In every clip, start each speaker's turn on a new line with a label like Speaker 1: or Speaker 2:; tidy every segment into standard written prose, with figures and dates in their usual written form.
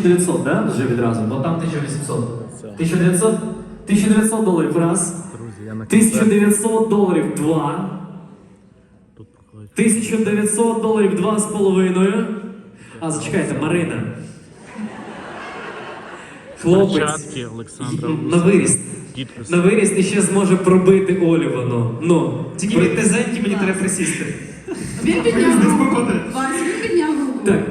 Speaker 1: 1900, да? Вже відразу, бо там 1800. 1900? 1900 доларів раз. 1900 доларів два. 1900 доларів два з половиною. А, зачекайте, Марина. Хлопець. На виріст. На виріст і ще зможе пробити Олю воно. Ну.
Speaker 2: Тільки від низеньки мені треба присісти.
Speaker 3: Він підняв руку. Вась, він підняв руку.
Speaker 1: Так,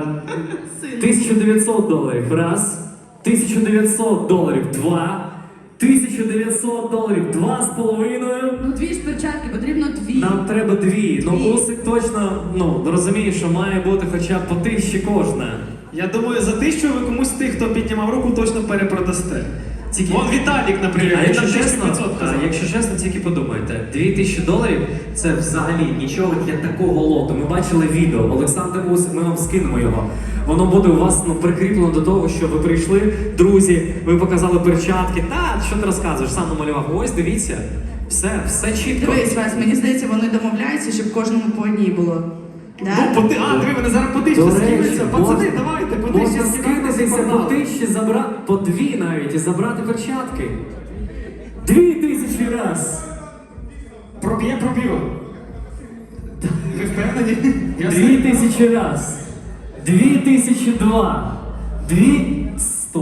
Speaker 1: 1900 доларів раз. 1900 доларів два. 1900 доларів два з половиною.
Speaker 3: Ну дві ж перчатки, потрібно дві.
Speaker 1: Нам треба дві. Ну, Усик точно, розуміє, що має бути хоча б по 1000 кожна.
Speaker 2: Я думаю, за 1000 ви комусь з тих, хто піднімав руку, точно перепродасте. Вон Віталік, наприклад,
Speaker 1: А якщо
Speaker 2: він на
Speaker 1: чесно,
Speaker 2: 1500 казав.
Speaker 1: якщо чесно, тільки подумайте, 2000 доларів це взагалі нічого для такого лоту. Ми бачили відео, Олександр Усик, ми вам скинемо його. Воно буде у вас прикріплено до того, що ви прийшли, друзі, ви показали перчатки. Та, що ти розказуєш, сам намалював. Ось, дивіться, все чітко.
Speaker 3: Дивись, Вась, мені здається, вони домовляються, щоб кожному по одній було. Да?
Speaker 2: Диви, вони зараз по 1000 скинуться. Пацани, давайте, по 1000
Speaker 1: Можна скинутися по 1000, забрати, по 2 навіть, і забрати перчатки. 2000 раз.
Speaker 2: Проб'ємо. Ви впевнені?
Speaker 1: 2000 раз. 2002. 200.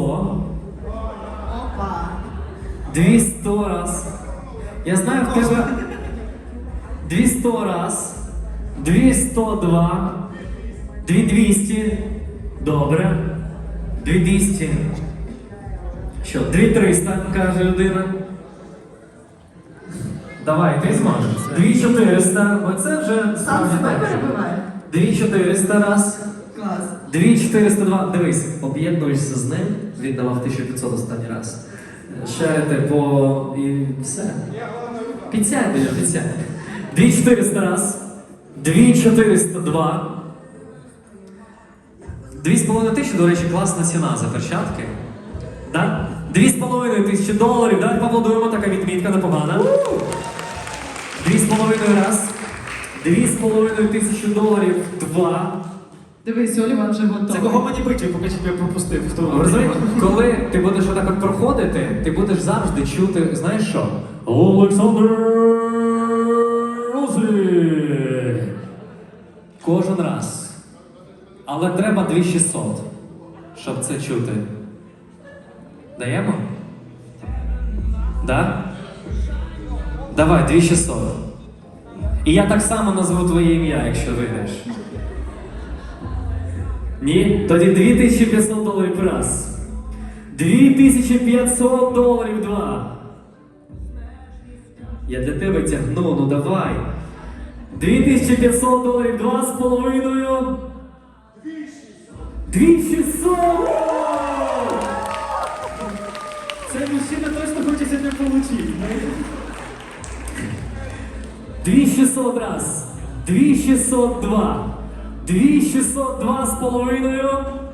Speaker 3: Опа.
Speaker 1: 200 раз. Я знаю в тебе 200 раз. 202. 2200. Добре. 2200. Що, 2300, каже людина. Давай, ти зможеш. 2400. Оце вже
Speaker 3: Сам себе перебиває.
Speaker 1: 2400 раз.
Speaker 3: Клас.
Speaker 1: 2402. Дивись, об'єднуєшся з ним. Він давав 1500 останній раз. Шерите по... і все. 50. 2400 раз. 2402. 2500, до речі, класна ціна за перчатки. Да? 2500 доларів. Давай поаплодуємо, така відмітка непогана. 2,5 раз. 2500 доларів. 2.
Speaker 3: Дивись, Оліван вже готовий.
Speaker 2: Це кого мені бити, поки тебе пропустив? Хто?
Speaker 1: Розумієш, коли ти будеш отак от проходити, ти будеш завжди чути, знаєш що? Олександр Усик! Кожен раз. Але треба 2600, щоб це чути. Даємо? Да? Давай, 2600. І я так само назву твоє ім'я, якщо вийдеш. Ні? Тоді 2500 доларів раз. 2500 доларів два. Я для тебе тягну, ну давай. 2500 доларів два з половиною. 2600!
Speaker 2: Цей мужчина точно хоче сьогодні отримати.
Speaker 1: 2600 раз. 2602. 2602 з половиною.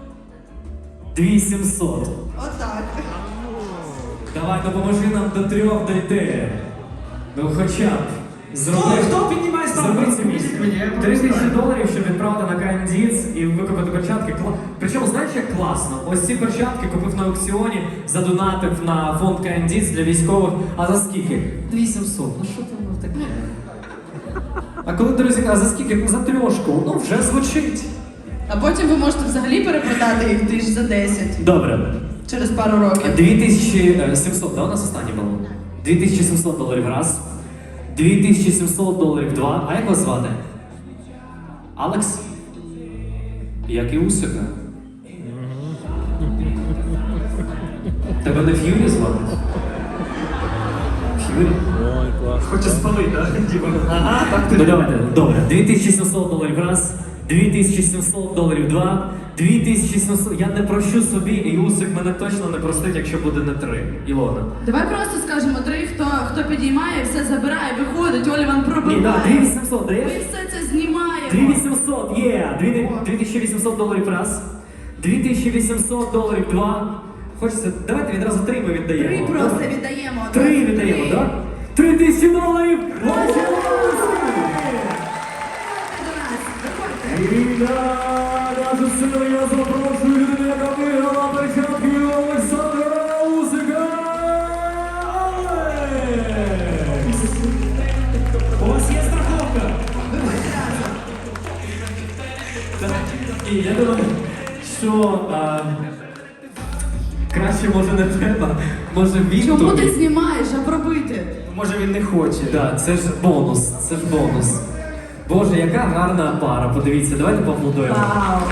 Speaker 1: 2700.
Speaker 3: Отак.
Speaker 1: Давай, допоможи нам до 3 дойти. Ну хоча б.
Speaker 2: Хто піднімає ставку?
Speaker 1: Зроби це місце. 3000 доларів, щоб відправити на Кандіц і викупити перчатки. Причому, знаєш, як класно? Ось ці перчатки купив на аукціоні, задонатив на фонд Кандіц для військових. А за скільки? 2700. Ну що там таке? А коли друзі кажуть, за скільки? За 3. Ну вже звучить.
Speaker 3: А потім ви можете взагалі перепродати їх 1000 за 10.
Speaker 1: Добре.
Speaker 3: Через пару років.
Speaker 1: 2700, да, у нас останнє було? 2700 доларів раз. 2700 доларів два. А як вас звати? Алекс? Як і Усика. Тебе не Ф'юрі звати? Ф'юрі?
Speaker 4: Ой, клас.
Speaker 2: Хоче спалити, так? Ага, так
Speaker 1: Ну давайте, добре. 2700 доларів раз. 2700 доларів два. 2700. Я не прощу собі, і Усик мене точно не простить, якщо буде не 3. Ілона.
Speaker 3: Давай просто скажемо 3, хто підіймає, все забирає, виходить, Оліван
Speaker 1: Ні,
Speaker 3: пробиває.
Speaker 1: да, 2800
Speaker 3: Ми
Speaker 1: даєш?
Speaker 3: все це знімаємо.
Speaker 1: 2800, є! 2800 доларів раз. 2800 доларів два. Хочеться, давайте відразу 3 ми віддаємо.
Speaker 3: 3 просто віддаємо.
Speaker 1: 3 віддаємо,
Speaker 3: Три.
Speaker 1: так? 3000 доларів! Ваші
Speaker 3: Виходьте
Speaker 1: І я, нашу силу, я запрошую людину, яка виграла краще може не треба. Може він
Speaker 3: Чому
Speaker 1: тобі?
Speaker 3: ти знімаєш, а пробити?
Speaker 2: Може він не хоче.
Speaker 1: Да, це ж бонус, це ж бонус. Боже, яка гарна пара. Подивіться, давайте поаплодуємо.
Speaker 3: Вау.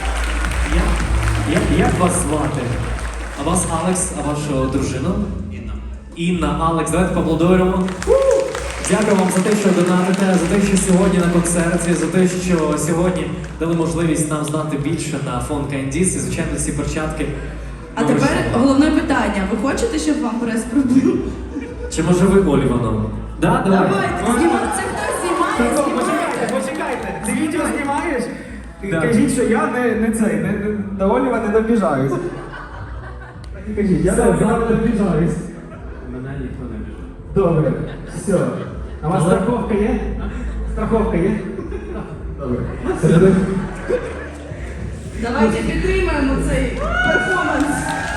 Speaker 1: Як вас звати? А вас Алекс, а вашу дружину? Інна, Алекс, давайте поаплодуємо. Дякую вам за те, що донатите, за те, що сьогодні на концерті, за те, що сьогодні дали можливість нам знати більше на фонд Кандіс і, звичайно, ці перчатки.
Speaker 3: А
Speaker 1: ми
Speaker 3: тепер
Speaker 1: вручаємо.
Speaker 3: головне питання. Ви хочете, щоб вам прес пробив?
Speaker 1: Чи може ви Оліваном? Да, давай.
Speaker 3: Давайте, знімайте. Це хтось знімає,
Speaker 2: Так,
Speaker 3: знімає.
Speaker 2: почекайте. Ти відео знімаєш?
Speaker 1: Да.
Speaker 2: Кажіть, що я не цей, до Оліва не добіжаюсь. Кажіть, я до Оліва не добіжаюсь.
Speaker 4: Мене ніхто не біжить.
Speaker 2: Добре, все. А у вас
Speaker 1: Але-
Speaker 2: страховка є? Страховка є? Добре.
Speaker 3: Давайте підтримаємо цей перформанс.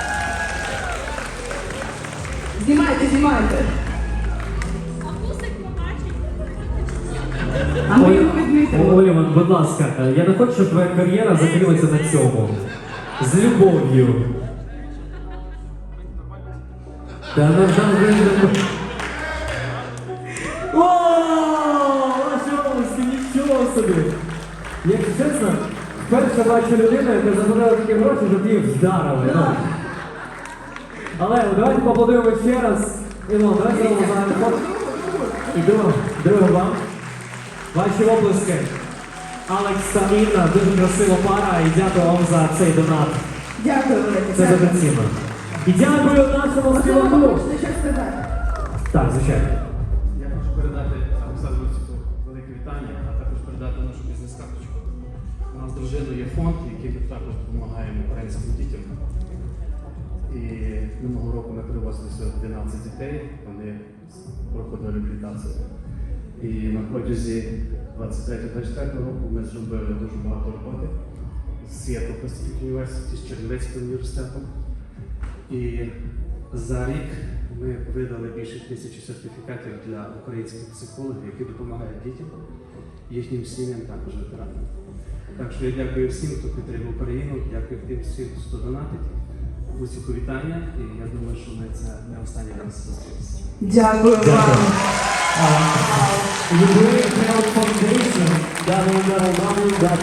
Speaker 3: Знімайте, знімайте. А ми його відмітимо.
Speaker 1: Оліван, будь ласка, я не хочу, щоб твоя кар'єра закрилася на цьому. З любов'ю. Та не О, ваші обласки, нічого собі. Якщо чесно, вперше бачу людину, яка забирала такі гроші, щоб їх вдарили. Ну. Але давайте поаплодуємо ще раз. Ілон, давай зробимо загальний фото. І друге вам. Ваші обласки. Алекс та Інна, дуже красива пара, і дякую вам за цей донат.
Speaker 3: Дякую, велике.
Speaker 1: Це дуже цінно. І дякую нашому
Speaker 3: Можливо, ви
Speaker 1: співаку.
Speaker 3: хочете щось сказати?
Speaker 1: Так, звичайно.
Speaker 4: Я хочу передати Олександру Цюцу велике вітання, а також передати нашу бізнес-карточку. У нас з дружиною є фонд, який ми також допомагаємо українським дітям. І минулого року ми привозили сюди 12 дітей, вони проходили реабілітацію. І на протязі 23-24 року ми зробили дуже багато роботи з Seattle Pacific University, з Чернівецьким університетом. І за рік ми видали більше 1000 сертифікатів для українських психологів, які допомагають дітям, їхнім сім'ям, також ветеранам. Так що я дякую всім, хто підтримує Україну, дякую тим всім, хто донатить. Усі повітання, і я думаю, що ми це не останній раз зустрілися.
Speaker 3: Дякую вам.
Speaker 1: Ukraine Health Foundation,